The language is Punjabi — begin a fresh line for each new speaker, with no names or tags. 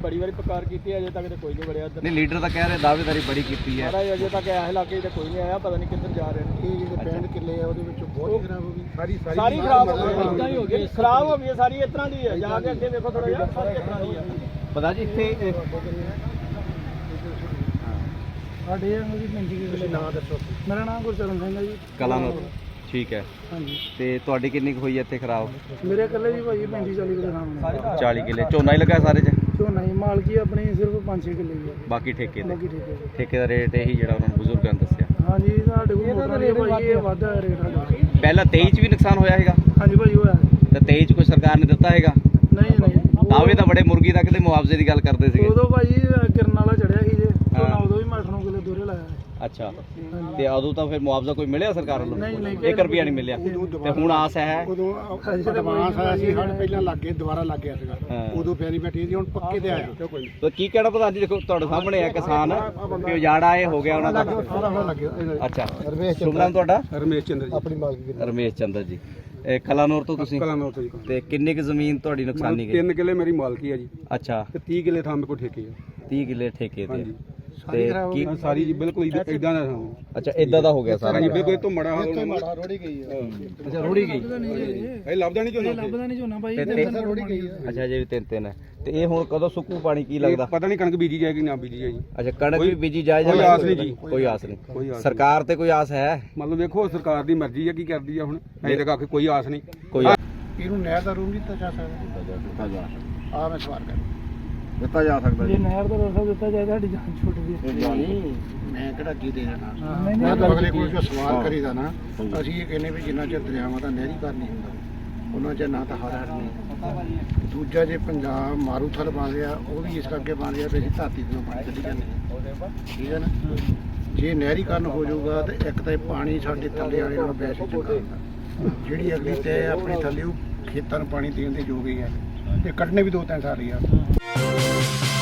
ਬੜੀ ਵਾਰੀ ਪੁਕਾਰ ਕੀਤੀ ਅਜੇ ਤੱਕ ਤੇ ਕੋਈ ਨਹੀਂ ਵੜਿਆ ਇੱਧਰ।
ਨਹੀਂ ਲੀਡਰ ਤਾਂ ਕਹਿ ਰਹੇ ਦਾਅਵੇਦਾਰੀ ਬੜੀ ਕੀਤੀ ਹੈ।
ਸਾਰਾ ਅਜੇ ਤੱਕ ਇਸ ਇਲਾਕੇ 'ਤੇ ਕੋਈ ਨਹੀਂ ਆਇਆ, ਪਤਾ ਨਹੀਂ ਕਿੱਧਰ ਜਾ ਰਹੇ ਨੇ।
ਇਹ ਜਿਹੜੇ 65 ਕਿੱਲੇ ਆ ਉਹਦੇ ਵਿੱਚੋਂ ਬਹੁਤ ਖਰਾਬ ਹੋ ਗਈ
ਸਾਰੀ ਖਰਾਬ ਹੋ ਗਈ, ਇਦਾਂ ਹੀ ਹੋ ਗਈ, ਖਰਾਬ ਹੋ ਗਈ ਸਾਰੀ ਇਸ ਤਰ੍ਹਾਂ ਦੀ ਹੈ। ਜਾ ਕੇ ਅੱਗੇ ਵੇਖੋ ਥੋੜਾ ਜਿਹਾ, ਸਾਰੀ ਇਸ ਤਰ੍ਹਾਂ ਦੀ ਹੈ।
ਪਤਾ ਜੀ ਇੱਥੇ
ਸਾਡੇ ਮੇਰੀ ਪਿੰਡੀ ਕਿੱਲੇ ਨਾਂ ਦੱਸੋ। ਮੇਰਾ ਨਾਮ ਗੁਰਚਰਨ ਸਿੰਘ ਹੈ ਜੀ,
ਕਲਾਨੌਰ। ਠੀਕ ਹੈ।
ਹਾਂਜੀ।
ਤੇ ਤੁਹਾਡੀ ਕਿੰਨੀ ਕੁ ਹੋਈ ਹੈ ਇੱਥੇ ਖਰਾਬ?
ਮੇਰੇ ਇਕੱਲੇ ਜੀ ਭਾਈ 35-40 ਕਿੱਲੇ ਨਾਮ
40 ਕਿੱਲੇ ਝੋਨਾ ਹੀ ਲੱਗਾ ਸਾਰੇ 'ਚ?
ਝੋਨਾ ਹੀ ਮਾਲਕੀ ਆਪਣੀ ਸਿਰਫ 5-6 ਕਿੱਲੇ ਹੀ ਹੈ,
ਬਾਕੀ ਠੇਕੇ ਦੇ?
ਬਾਕੀ ਠੇਕੇ ਦੇ।
ਠੇਕੇ ਦਾ ਰੇਟ ਇਹੀ ਜਿਹੜਾ ਉਹਨਾਂ ਨੂੰ ਬਜ਼ੁਰਗਾਂ ਨੇ ਦੱਸਿਆ?
ਹਾਂਜੀ ਸਾਡੇ ਕੋਲ ਮੋਟਰਾਂ ਦੇ ਭਾਈ ਇਹ ਵਾਧਾ ਰੇਟ ਸਾਡਾ।
ਪਹਿਲਾਂ 23 'ਚ ਵੀ ਨੁਕਸਾਨ ਹੋਇਆ ਹੈਗਾ?
ਹਾਂਜੀ ਭਾਈ ਹੋਇਆ।
ਤੇ 23 'ਚ ਕੋਈ ਸਰਕਾਰ ਨੇ ਦਿੱਤਾ ਹੈਗਾ?
ਨਹੀਂ
ਦਾਅਵੇ ਤਾਂ ਬੜੇ ਮੁਰਗੀ ਤੱਕ ਦੇ ਮੁਆਵਜ਼ੇ ਦੀ ਗੱਲ ਕਰਦੇ ਸੀਗੇ।
ਉਦੋਂ ਭਾਈ ਕਿਰਨ ਵਾਲਾ ਚੜਿਆ ਸੀ ਜੇ ਝੋਨਾ, ਉਦੋਂ ਵੀ 8-9 ਕਿੱਲੇ ਦੋਰੇ ਲਾਇਆ।
ਅੱਛਾ, ਤੇ ਉਦੋਂ ਤਾਂ ਫਿਰ ਮੁਆਵਜ਼ਾ ਕੋਈ ਮਿਲਿਆ ਸਰਕਾਰ ਵੱਲੋਂ?
ਨਹੀਂ
1 ਰੁਪਿਆ ਨਹੀਂ ਮਿਲਿਆ। ਤੇ ਹੁਣ ਆਸ ਹੈ?
ਉਦੋਂ ਐਡਵਾਂਸ ਆਇਆ ਸੀ, ਹੜ ਪਹਿਲਾਂ ਲੱਗ ਗਏ, ਦੁਬਾਰਾ ਲੱਗ ਗਿਆ ਸੀਗਾ। ਉਦੋਂ ਫੇਰੀ ਬੈਠੀ ਸੀ, ਹੁਣ ਪੱਕੇ ਤੇ ਆਇਆ।
ਤੇ ਕੀ ਕਹਿਣਾ ਪ੍ਰਧਾਨ ਜੀ? ਦੇਖੋ ਤੁਹਾਡੇ ਸਾਹਮਣੇ ਆ ਕਿਸਾਨ ਕਿ ਉਜਾੜਾ ਇਹ ਹੋ ਗਿਆ ਉਹਨਾਂ ਦਾ।
ਸਾਰਾ ਹੁਣ ਲੱਗ ਗਿਆ।
ਅੱਛਾ, ਸ਼ੁਭ ਨਾਮ ਤੁਹਾਡਾ?
ਰਮੇਸ਼ ਚੰਦਰ ਜੀ, ਆਪਣੀ ਮਾਲਕੀ ਦੀ।
ਰਮੇਸ਼ ਚੰਦਰ ਜੀ, ਇਹ ਕਲਾਨੌਰ ਤੋਂ ਤੁਸੀਂ?
ਕਲਾਨੌਰ ਤੋਂ ਜੀ।
ਤੇ ਕਿੰਨੀ ਕੁ ਜ਼ਮੀਨ ਤੁਹਾਡੀ ਨੁਕਸਾਨੀ ਗਈ?
3 ਕਿੱਲੇ ਮੇਰੀ ਮਾਲਕੀ ਹੈ ਜੀ।
ਅੱਛਾ,
ਤੇ 30 ਕਿੱਲੇ ਥਾਂ ਮੇਰੇ ਕੋਲ ਠੇਕੇ ਆ।
30 ਕਿੱਲੇ ਠੇਕੇ ਤੇ?
ਹਾਂਜੀ।
ਤੇ ਕੀ
ਸਾਰੀ ਜੀ ਬਿਲਕੁਲ ਇਦਾਂ ਦਾ ਥਾਂ।
ਅੱਛਾ, ਇਦਾਂ ਦਾ ਹੋ ਗਿਆ ਸਾਰਾ?
ਬਿਲਕੁਲ ਇਹ ਤੋਂ ਮੜਾ ਰੋੜੀ ਗਈ ਆ।
ਅੱਛਾ, ਰੋੜੀ ਗਈ?
ਇਹ ਲੱਭਦਾ ਨਹੀਂ ਝੋਨਾ, ਲੱਭਦਾ ਨਹੀਂ ਝੋਨਾ ਭਾਈ, ਰੋੜੀ ਗਈ ਆ।
ਅੱਛਾ, ਜੇ ਵੀ 3 ਹੈ। ਤੇ ਇਹ ਹੁਣ ਕਦੋਂ ਸੁੱਕੂ ਪਾਣੀ ਕੀ ਲੱਗਦਾ?
ਪਤਾ ਨਹੀਂ ਕਣਕ ਬੀਜੀ ਜਾਏਗੀ ਨਾ ਬੀਜੀ ਜਾਏਗੀ।
ਅੱਛਾ, ਕਣਕ ਵੀ ਬੀਜੀ ਜਾਏ ਜਾਂ?
ਕੋਈ ਆਸ ਨਹੀਂ ਜੀ।
ਕੋਈ ਆਸ ਨਹੀਂ?
ਕੋਈ ਆਸ
ਸਰਕਾਰ ਤੇ ਕੋਈ ਆਸ ਹੈ?
ਮਤਲਬ ਵੇਖੋ ਸਰਕਾਰ ਦੀ ਮਰਜ਼ੀ ਹੈ ਕੀ ਕਰਦੀ ਆ ਹੁਣ। ਅਜੇ ਤੱਕ ਆਖੇ ਕੋਈ ਆਸ ਨਹੀਂ।
ਕੋਈ
ਇਹਨੂੰ ਨਹਿਰ ਦਾ ਰੂਮ ਦਿੱਤਾ ਜਾ ਸਕਦਾ? ਆ ਮੈਂ ਸਵਾਲ ਕਰ
ਦਿੱਤਾ ਜਾ ਸਕਦਾ?
ਜੇ ਨਹਿਰ ਦਾ ਰਸਾ ਦਿੱਤਾ ਜਾਏ ਸਾਡੀ ਜਾਨ ਛੁੱਟਦੀ ਹੈ। ਮੈਂ ਕਿਹੜਾ ਕੀ ਦੇ ਦੇਣਾ। ਮੈਂ ਤਾਂ ਅਗਲੇ ਕੋਲ ਜੋ ਸਵਾਲ ਕਰੀਦਾ ਨਾ, ਅਸੀਂ ਇਹ ਕਹਿੰਦੇ ਵੀ ਜਿੰਨਾ ਚਿਰ ਦਰਿਆਵਾਂ ਦਾ ਨਹਿਰੀਕਰਨ ਨਹੀਂ ਹੁੰਦਾ ਉਹਨਾਂ ਚਿਰ ਨਾ ਤਾਂ ਹਰ ਨਹੀਂ। ਦੂਜਾ ਜੇ ਪੰਜਾਬ ਮਾਰੂਥਲ ਬਣ ਰਿਹਾ ਉਹ ਵੀ ਇਸ ਕਰਕੇ ਬਣ ਰਿਹਾ ਵੀ ਅਸੀਂ ਧਰਤੀ ਤੋਂ ਪਾਣੀ ਕੱਢੀ ਜਾਂਦੇ ਹਾਂ। ਠੀਕ ਹੈ ਨਾ? ਜੇ ਨਹਿਰੀਕਰਨ ਹੋ ਜਾਊਗਾ ਤਾਂ ਇੱਕ ਤਾਂ ਇਹ ਪਾਣੀ ਸਾਡੇ ਥੱਲੇ ਵਾਲੇ ਨਾਲ ਵੈਸੇ ਚੰਗਾ ਹੁੰਦਾ, ਜਿਹੜੀ ਅਗਲੀ ਤੇ ਆਪਣੇ ਥੱਲੇ ਖੇਤਾਂ ਨੂੰ ਪਾਣੀ ਦੇਣ ਦੇ ਯੋਗ ਹੀ ਹੈ, ਤੇ ਕੱਢਣੇ ਵੀ 2-3 ਸਾਲ ਹੀ ਆ।